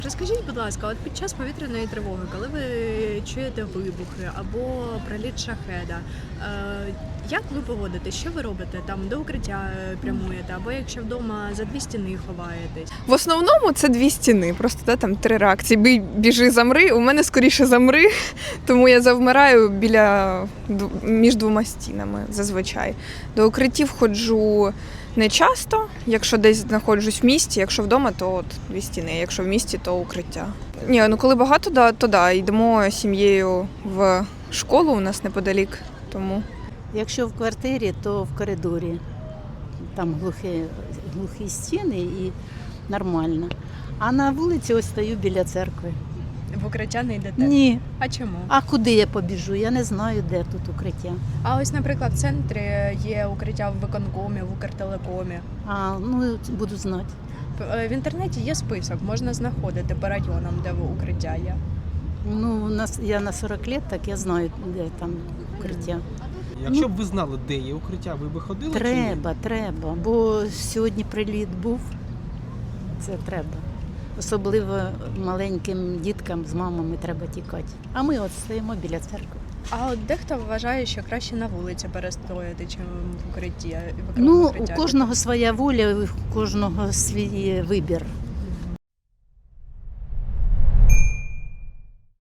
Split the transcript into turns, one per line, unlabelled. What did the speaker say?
Розкажіть, будь ласка, от під час повітряної тривоги, коли ви чуєте вибухи або приліт шахеда, як ви поводитесь? Що ви робите? Там до укриття прямуєте, або якщо вдома за дві стіни ховаєтесь?
В основному це дві стіни, просто там три реакції. Бий, біжи, замри. У мене скоріше замри, тому я завмираю між двома стінами зазвичай. До укриттів ходжу не часто, якщо десь знаходжусь в місті, якщо вдома, то от дві стіни, якщо в місті, то укриття. Ні, ну коли багато, то да, йдемо з сім'єю в школу, у нас неподалік, тому.
Якщо в квартирі, то в коридорі. Там глухі стіни і нормально. А на вулиці ось стою біля церкви.
В укриття не йдете?
Ні.
А чому?
А куди я побіжу? Я не знаю, де тут укриття.
А ось, наприклад, в центрі є укриття в виконкомі, в Укртелекомі.
Ну, буду знати.
В інтернеті є список, можна знаходити по районам, де укриття є.
Ну, я на 40 років, так я знаю, де там укриття.
Якщо б ви знали, де є укриття, ви б ходили? чи ні?
Треба, бо сьогодні приліт був. Це треба. Особливо маленьким діткам з мамами треба тікати. А ми от стоїмо біля церкви.
А от дехто вважає, що краще на вулиці перестояти, чим в укритті.
Ну, у кожного своя воля, у кожного свій вибір.